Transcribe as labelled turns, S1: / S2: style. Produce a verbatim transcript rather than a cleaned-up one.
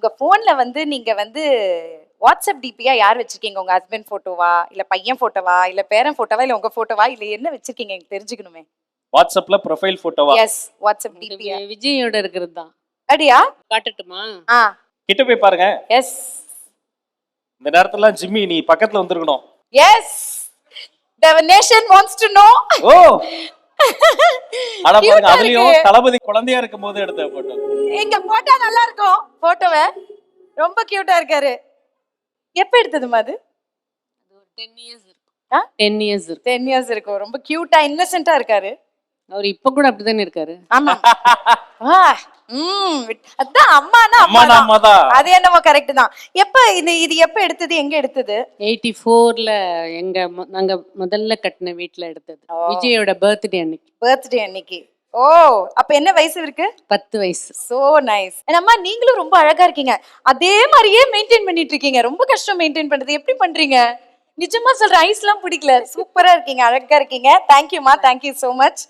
S1: உங்க போன்ல வந்து நீங்க வந்து வாட்ஸ்அப் டிபியா யார் வச்சிருக்கீங்க? உங்க ஹஸ்பண்ட் போட்டோவா, இல்ல பையன் போட்டோவா, இல்ல பேரன் போட்டோவா, இல்ல உங்க போட்டோவா, இல்ல என்ன வச்சிருக்கீங்க? எனக்கு தெரிஞ்சுக்கணுமே.
S2: வாட்ஸ்அப்ல ப்ரொஃபைல் போட்டோவா?
S1: எஸ், வாட்ஸ்அப் டிபியா.
S3: விஜயோட இருக்கிறது தான்.
S1: அடியா?
S3: காட்டட்டுமா?
S1: ஆ.
S2: கிட்ட போய் பாருங்க.
S1: எஸ்.
S2: இந்த நேரத்துல ஜிம்மி நீ பக்கத்துல வந்திருக்கணும்.
S1: Yes. The nation wants to know.
S2: ஓ. அட பாருங்க, அதுலயும் தளபதி குழந்தையா இருக்கும்போது எடுத்த போட்டோ.
S1: எங்க போட்டோ நல்லா இருக்கும். போட்டோவே ரொம்ப கியூட்டா இருக்காரு. எப்ப எடுத்ததுமா அது?
S3: ten இயர்ஸ் இருக்கும்.
S1: ஆ?
S3: ten இயர்ஸ் இருக்கும்.
S1: ten இயர்ஸ் இருக்கும். ரொம்ப கியூட்டா இன்னசென்ட்டா இருக்காரு.
S3: அவர் இப்ப கூட அப்படிதானே இருக்காரு.
S1: ஆமா. ஆ. ம். அதான் அம்மானா
S2: அம்மா
S1: அம்மா
S2: தான்.
S1: அது என்னமோ கரெக்ட் தான். எப்ப இது இது எப்ப எடுத்தது? எங்க எடுத்தது?
S3: eighty-four ல எங்க மொ- நாங்க முதல்ல கட்டின வீட்ல எடுத்தது. விஜயோட பர்த்டே அன்னைக்கு.
S1: பர்த்டே அன்னைக்கு. ஓ, அப்ப என்ன வயசு இருக்கு?
S3: பத்து வயசு.
S1: So nice. அம்மா நீங்களும் ரொம்ப அழகா இருக்கீங்க. அதே மாதிரியே மெயின்டைன் பண்ணிட்டு இருக்கீங்க. ரொம்ப கஷ்டம் மெயின்டைன் பண்றது. எப்படி பண்றீங்க? நிஜமா சொல்ற, ஐஸ்லாம் பிடிக்கல. சூப்பரா இருக்கீங்க, அழகா இருக்கீங்க. தேங்க்யூமா, தேங்க்யூ சோ மச்.